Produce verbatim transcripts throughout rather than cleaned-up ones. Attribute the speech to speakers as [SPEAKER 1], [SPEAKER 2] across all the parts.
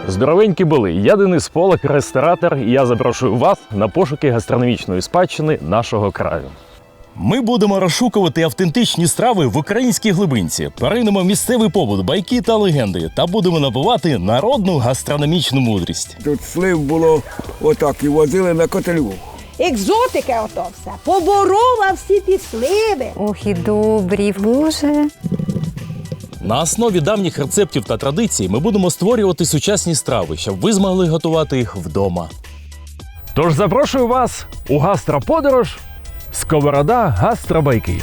[SPEAKER 1] Здоровенькі були! Я Денис Полак, ресторатор, і я запрошую вас на пошуки гастрономічної спадщини нашого краю. Ми будемо розшукувати автентичні страви в українській глибинці, перейдемо в місцевий побут, байки та легенди та будемо набувати народну гастрономічну мудрість.
[SPEAKER 2] Тут слив було отак і возили на котелю.
[SPEAKER 3] Екзотика ото все. Поборола всі ті сливи.
[SPEAKER 4] Ох і добрі, Боже.
[SPEAKER 1] На основі давніх рецептів та традицій ми будемо створювати сучасні страви, щоб ви змогли готувати їх вдома. Тож запрошую вас у гастроподорож Сковорода Гастробайки.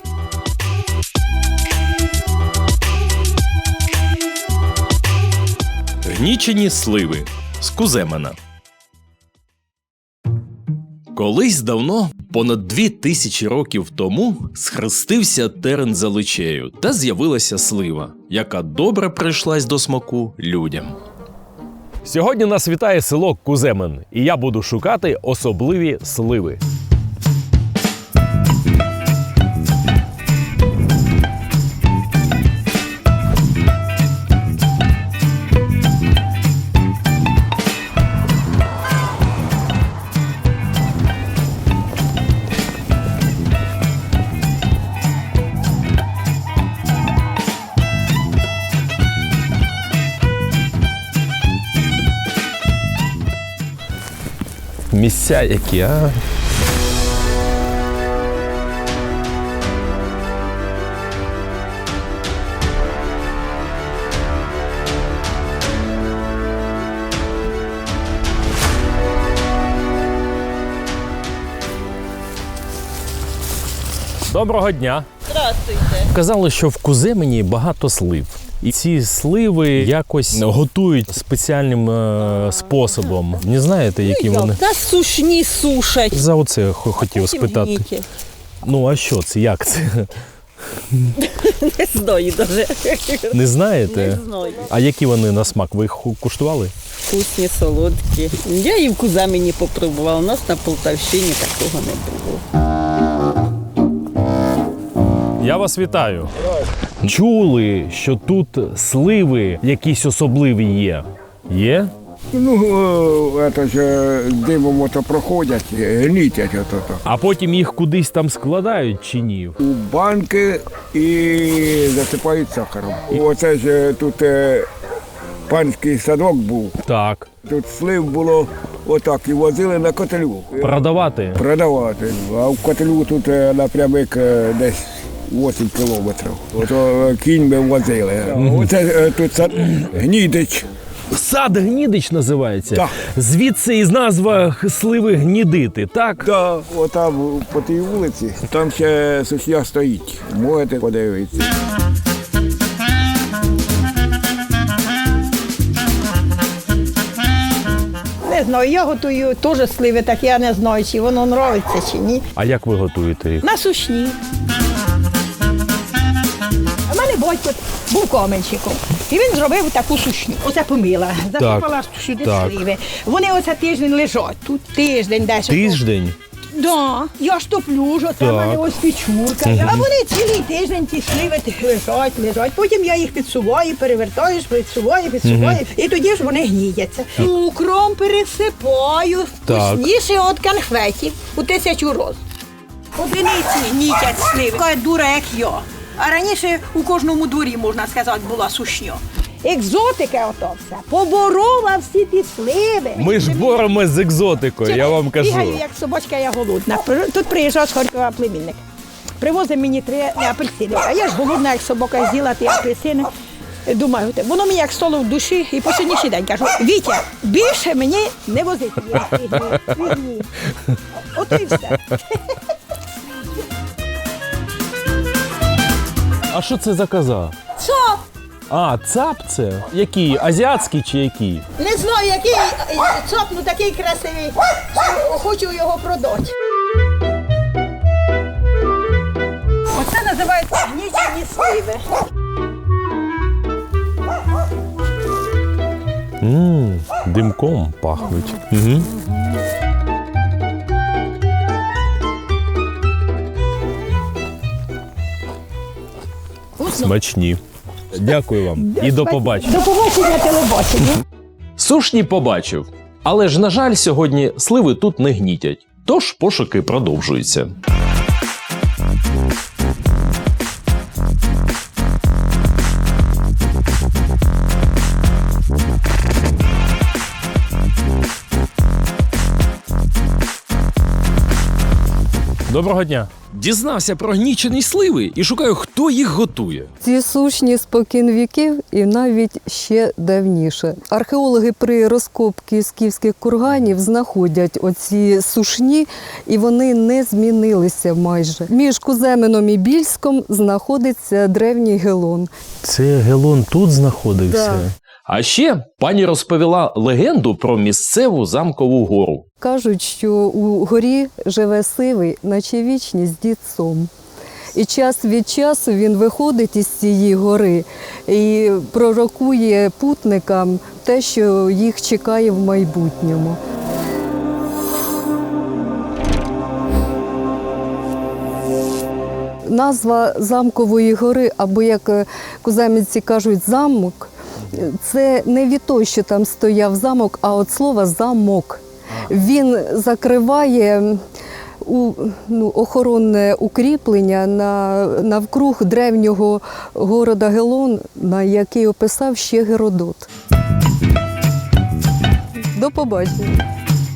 [SPEAKER 1] Гнічені сливи з Куземена. Колись давно, понад дві тисячі років тому, схрестився терен за личею та з'явилася слива, яка добре прийшлась до смаку людям. Сьогодні нас вітає село Куземен, і я буду шукати особливі сливи. Місця які, а? Доброго дня!
[SPEAKER 5] Здравствуйте.
[SPEAKER 1] Казали, що в Куземені багато слив. І ці сливи якось готують спеціальним е, способом. Не знаєте, які вони?
[SPEAKER 5] Та сушні сушать.
[SPEAKER 1] За оце хо- хотів спитати.
[SPEAKER 5] Гніті.
[SPEAKER 1] Ну, а що це? Як це?
[SPEAKER 5] Не знаю даже.
[SPEAKER 1] Не знаєте?
[SPEAKER 5] Не знаю.
[SPEAKER 1] А які вони на смак? Ви їх ху- куштували?
[SPEAKER 5] Вкусні, солодкі. Я і в Куземені попробувала. У нас на Полтавщині такого не було.
[SPEAKER 1] Я вас вітаю. Чули, що тут сливи якісь особливі є? Є?
[SPEAKER 2] Ну, о, це ж е, димом ото проходять, е, гнітять ото.
[SPEAKER 1] А потім їх кудись там складають чи ні?
[SPEAKER 2] У банки і засипають сахаром. Оце ж е, тут е, панський садок був.
[SPEAKER 1] Так.
[SPEAKER 2] Тут слив було отак і возили на котелю.
[SPEAKER 1] Продавати?
[SPEAKER 2] Продавати. А в котелю тут е, напрямик е, десь вісім кілометрів. Ото е, кінь ми возили. Оце е, тут сад Гнідич.
[SPEAKER 1] Сад Гнідич називається?
[SPEAKER 2] Так.
[SPEAKER 1] Звідси із назва сливи Гнідити, так?
[SPEAKER 2] Да, отам по тій вулиці, там ще сушня стоїть. Можете подивитися.
[SPEAKER 3] Не знаю, я готую теж сливи, так я не знаю, чи воно нравиться, чи ні.
[SPEAKER 1] А як ви готуєте їх?
[SPEAKER 3] На сушні. У мене батько був каменщиком. І він зробив таку сушню. Оце помила, засипала сюди
[SPEAKER 1] так.
[SPEAKER 3] сливи. Вони оце тиждень лежать. Тут тиждень десь.
[SPEAKER 1] Тиждень?
[SPEAKER 3] Да, я ж топлю, що це в мене ось печурка. А вони цілий тиждень ті сливи лежать, лежать. Потім я їх підсуваю, перевертаю, підсуваю, підсуваю. І тоді ж вони гніються. Цукром пересипаю,
[SPEAKER 1] Так.
[SPEAKER 3] вкусніше від конфетів у тисячу роз. Одиниці гнітять сливи. Така дура, як я. А раніше у кожному дворі, можна сказати, була сушня. Екзотика ото все. Поборола всі ті сливи.
[SPEAKER 1] Ми ж боремось з екзотикою, я вам кажу.
[SPEAKER 3] Бігаю, як собачка, я голодна. Тут приїжджав з Харкова племінник. Привозив мені три апельсини. А я ж голодна, як собака, з'їла ті апельсини. Думаю, воно мені як стало в душі і по сьогоднішній день кажу: Вітя, більше мені не возити. Ото і все.
[SPEAKER 1] А що це за коза?
[SPEAKER 3] Цап!
[SPEAKER 1] А, цап це? Який? Азіатський чи який?
[SPEAKER 3] Не знаю, який цап, ну такий красивий. Хочу його продати. Оце називається гнічені сливи.
[SPEAKER 1] Ммм, димком пахнуть. Угу. Смачні. Дякую вам і до побачення.
[SPEAKER 3] До побачення телебачення.
[SPEAKER 1] Сушні побачив. Але ж, на жаль, сьогодні сливи тут не гнітять. Тож пошуки продовжуються. Доброго дня. Дізнався про гнічені сливи і шукаю, хто їх готує.
[SPEAKER 6] Ці сушні спокін віків і навіть ще давніше. Археологи при розкопці скіфських курганів знаходять оці сушні, і вони не змінилися майже. Між Куземином і Більськом знаходиться древній Гелон.
[SPEAKER 1] Це Гелон тут знаходився?
[SPEAKER 6] Да.
[SPEAKER 1] А ще пані розповіла легенду про місцеву замкову гору.
[SPEAKER 6] Кажуть, що у горі живе сивий, наче вічність, дід Сом. І час від часу він виходить із цієї гори і пророкує путникам те, що їх чекає в майбутньому. Назва замкової гори, або, як куземівці кажуть, замок, це не від того, що там стояв замок, а від слова «замок». Він закриває у, ну, охоронне укріплення на, навкруг древнього города Гелон, на який описав ще Геродот. До побачення.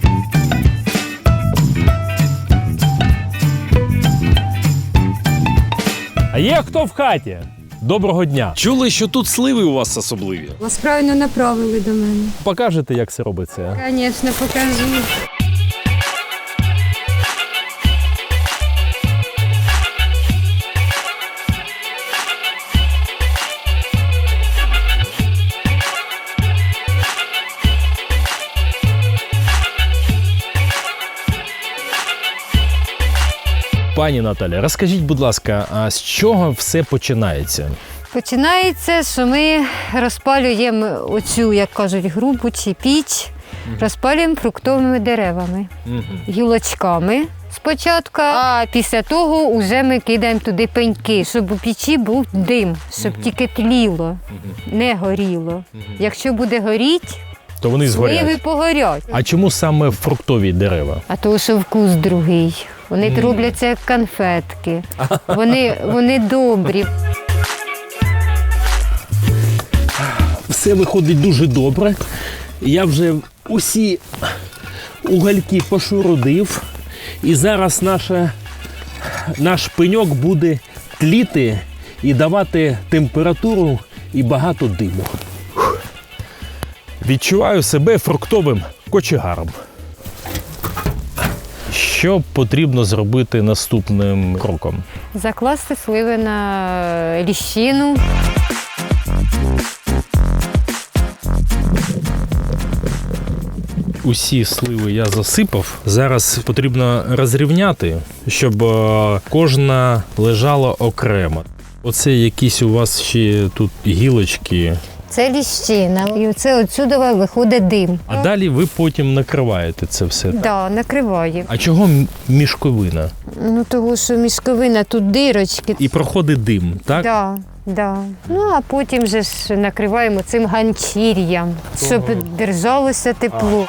[SPEAKER 7] А є хто в хаті? Доброго дня.
[SPEAKER 1] Чули, що тут сливи у вас особливі?
[SPEAKER 8] Вас правильно направили до мене.
[SPEAKER 7] Покажете, як це робиться?
[SPEAKER 8] Звісно, покажу.
[SPEAKER 7] Пані Наталя, розкажіть, будь ласка, а з чого все починається?
[SPEAKER 4] Починається, що ми розпалюємо оцю, як кажуть, грубу чи піч, розпалюємо фруктовими деревами, гілочками спочатку, а після того вже ми кидаємо туди пеньки, щоб у печі був дим, щоб тільки тліло, не горіло. Якщо буде горіти,
[SPEAKER 7] То вони
[SPEAKER 4] сливи
[SPEAKER 7] згорять.
[SPEAKER 4] погорять.
[SPEAKER 7] А чому саме фруктові дерева?
[SPEAKER 4] А то, що вкус другий. Вони mm. робляться як конфетки. Вони, вони добрі.
[SPEAKER 7] Все виходить дуже добре. Я вже усі угольки пошурудив. І зараз наша, наш пеньок буде тліти і давати температуру і багато диму. Відчуваю себе фруктовим кочегаром. Що потрібно зробити наступним кроком?
[SPEAKER 4] Закласти сливи на ліщину.
[SPEAKER 7] Усі сливи я засипав. Зараз потрібно розрівняти, щоб е, кожна лежала окремо. Оце якісь у вас ще тут гілочки.
[SPEAKER 4] Це ліщина. І оце отсюди виходить дим.
[SPEAKER 7] А далі ви потім накриваєте це все.
[SPEAKER 4] Так, да, накриває.
[SPEAKER 7] А чого м- мішковина?
[SPEAKER 4] Ну, тому що мішковина, тут дирочки.
[SPEAKER 7] І проходить дим, так?
[SPEAKER 4] Да, да. Ну, а потім же ж накриваємо цим ганчір'ям, щоб держалося тепло.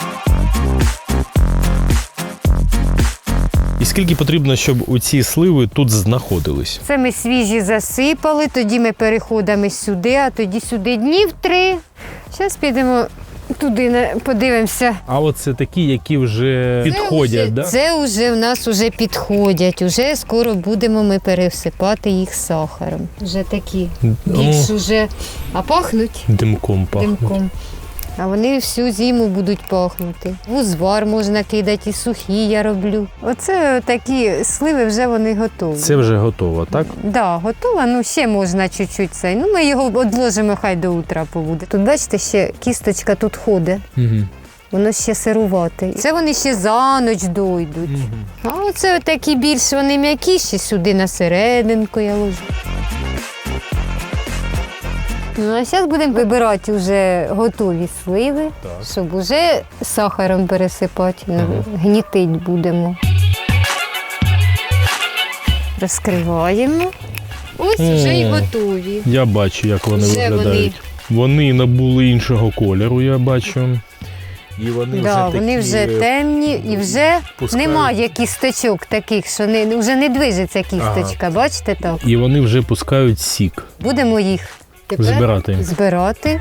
[SPEAKER 7] І скільки потрібно, щоб у ці сливи тут знаходились?
[SPEAKER 4] Це ми свіжі засипали, тоді ми переходимо сюди, а тоді сюди днів три. Зараз підемо туди, на- подивимося.
[SPEAKER 7] А оце такі, які вже підходять,
[SPEAKER 4] це вже,
[SPEAKER 7] да?
[SPEAKER 4] Це вже в нас вже підходять. Уже скоро будемо ми пересипати їх сахаром. Вже такі більш уже, а пахнуть
[SPEAKER 7] Димком пахне.
[SPEAKER 4] димком. А вони всю зиму будуть пахнути. В узвар можна кидати, і сухі я роблю. Оце такі сливи вже вони готові.
[SPEAKER 7] Це вже готово, так?
[SPEAKER 4] Так, да, готова, ну ще можна чуть-чуть цей. Ну ми його одложимо, хай до утра побуде. Тут бачите, ще кісточка тут ходить.
[SPEAKER 7] Угу.
[SPEAKER 4] Воно ще сирувате. Це вони ще за ніч дойдуть. А оце такі більш вони м'якіші, сюди на серединку я ложу. Ну, а зараз будемо вибирати вже готові сливи,
[SPEAKER 7] Так.
[SPEAKER 4] щоб вже сахаром пересипати. Ну, гнітить будемо. Розкриваємо. Ось вже і
[SPEAKER 7] О.
[SPEAKER 4] готові.
[SPEAKER 7] Я бачу, як вони
[SPEAKER 4] Вже вони
[SPEAKER 7] виглядають. Вони набули іншого кольору, я бачу. І вони
[SPEAKER 4] Да,
[SPEAKER 7] вже
[SPEAKER 4] вони
[SPEAKER 7] такі
[SPEAKER 4] вже темні і вже
[SPEAKER 7] пускають.
[SPEAKER 4] немає кісточок таких, що не, вже не движеться кісточка, бачите так?
[SPEAKER 7] І вони вже пускають сік.
[SPEAKER 4] Будемо їх тепер
[SPEAKER 7] Збирати.
[SPEAKER 4] збирати.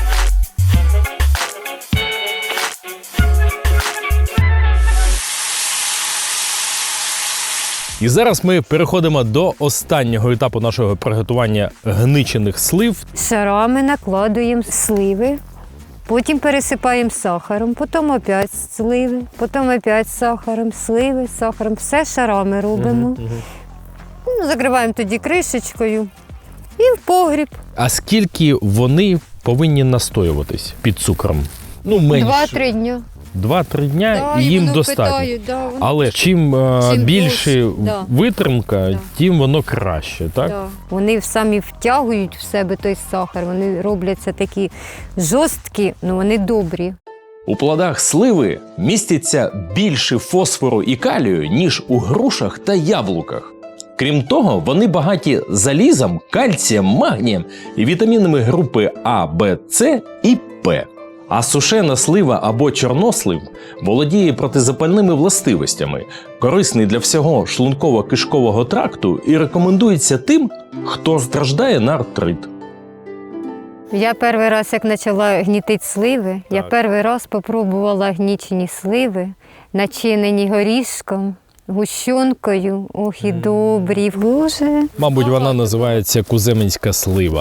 [SPEAKER 7] І зараз ми переходимо до останнього етапу нашого приготування гничених слив.
[SPEAKER 4] Шарами накладуємо сливи, потім пересипаємо сахаром, потім опять сливи, потім опять сахаром, сливи, сахаром. Все шарами робимо. Ну, закриваємо тоді кришечкою і в погріб.
[SPEAKER 7] А скільки вони повинні настоюватись під цукром? Ну, менше.
[SPEAKER 4] Два-три дня.
[SPEAKER 7] Два-три дня
[SPEAKER 4] Да,
[SPEAKER 7] і
[SPEAKER 4] і
[SPEAKER 7] їм
[SPEAKER 4] воно
[SPEAKER 7] достатньо.
[SPEAKER 4] питають, да, воно-
[SPEAKER 7] Але чим, е,
[SPEAKER 4] Чим
[SPEAKER 7] більше
[SPEAKER 4] довше, да.
[SPEAKER 7] витримка,
[SPEAKER 4] Да.
[SPEAKER 7] тим воно краще, так?
[SPEAKER 4] Да. Вони самі втягують в себе той сахар, вони робляться такі жорсткі, але вони добрі.
[SPEAKER 1] У плодах сливи міститься більше фосфору і калію, ніж у грушах та яблуках. Крім того, вони багаті залізом, кальцієм, магнієм і вітамінами групи А, Б, С і П. А сушена слива або чорнослив володіє протизапальними властивостями, корисний для всього шлунково-кишкового тракту і рекомендується тим, хто страждає на артрит.
[SPEAKER 4] Я перший раз, як почала гнітити сливи, я перший раз спробувала гнічені сливи, начинені горішком, гущонкою. Ох, і добрі. Боже.
[SPEAKER 7] Мабуть, вона називається куземенська слива.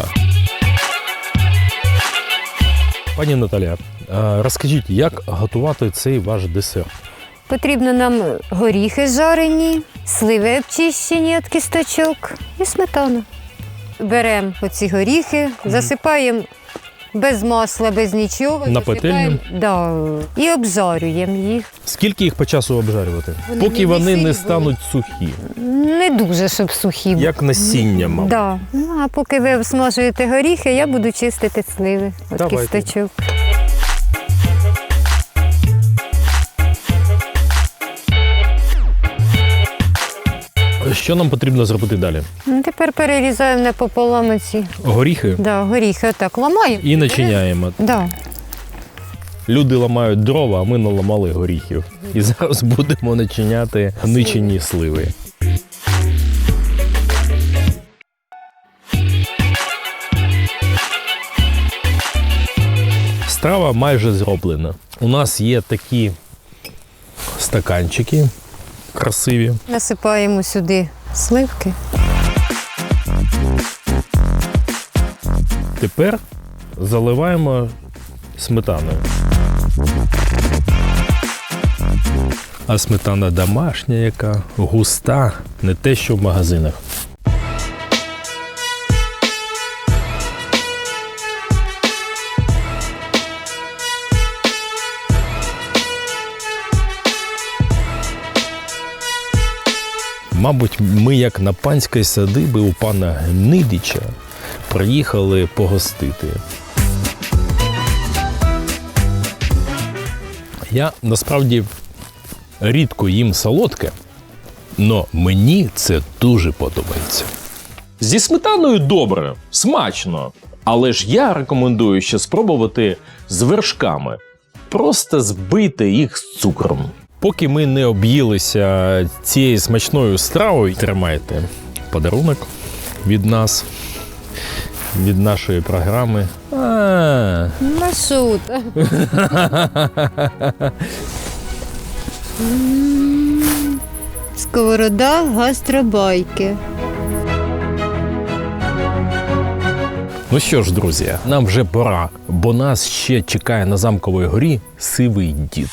[SPEAKER 7] Пані Наталя, а розкажіть, як готувати цей ваш десерт?
[SPEAKER 4] Потрібно нам горіхи жарені, сливи обчищені від кісточок і сметана. Беремо оці горіхи, засипаємо без масла, без нічого.
[SPEAKER 7] На
[SPEAKER 4] засипаємо-
[SPEAKER 7] пательню?
[SPEAKER 4] Да, і обжарюємо їх.
[SPEAKER 7] Скільки їх по часу обжарювати?
[SPEAKER 4] Вони
[SPEAKER 7] Поки
[SPEAKER 4] не
[SPEAKER 7] вони
[SPEAKER 4] сирі
[SPEAKER 7] не
[SPEAKER 4] були.
[SPEAKER 7] стануть сухі,
[SPEAKER 4] Не дуже, щоб сухі.
[SPEAKER 7] як насіння, мабуть.
[SPEAKER 4] Да. Ну, а поки ви смажуєте горіхи, я буду чистити сливи від
[SPEAKER 7] Давайте.
[SPEAKER 4] кісточок.
[SPEAKER 7] Що нам потрібно зробити далі?
[SPEAKER 4] Ну, тепер перерізаємо напополам ці
[SPEAKER 7] Горіхи
[SPEAKER 4] да, горіхи, отак ламаємо.
[SPEAKER 7] і начиняємо.
[SPEAKER 4] Да.
[SPEAKER 7] Люди ламають дрова, а ми наламали горіхів. І зараз будемо начиняти гничені сливи. Страва майже зроблена. У нас є такі стаканчики красиві.
[SPEAKER 4] Насипаємо сюди сливки.
[SPEAKER 7] Тепер заливаємо сметаною. А сметана домашня яка, густа, не те, що в магазинах. Мабуть, ми, як на панській садиби у пана Гнидича, приїхали погостити. Я насправді рідко їм солодке, але мені це дуже подобається.
[SPEAKER 1] Зі сметаною добре, смачно. Але ж я рекомендую ще спробувати з вершками. Просто збийте їх з цукром.
[SPEAKER 7] Поки ми не об'їлися цією смачною стравою, тримайте подарунок від нас, від нашої програми. А,
[SPEAKER 4] Маршрута. Сковорода гастробайки.
[SPEAKER 7] Ну що ж, друзі, нам вже пора, бо нас ще чекає на Замковій горі сивий дід.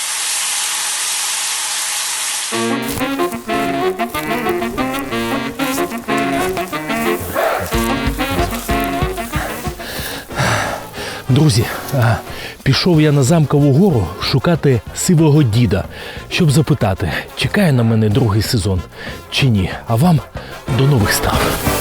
[SPEAKER 7] Друзі, а, пішов я на Замкову гору шукати сивого діда, щоб запитати, чекає на мене другий сезон чи ні. А вам до нових страв.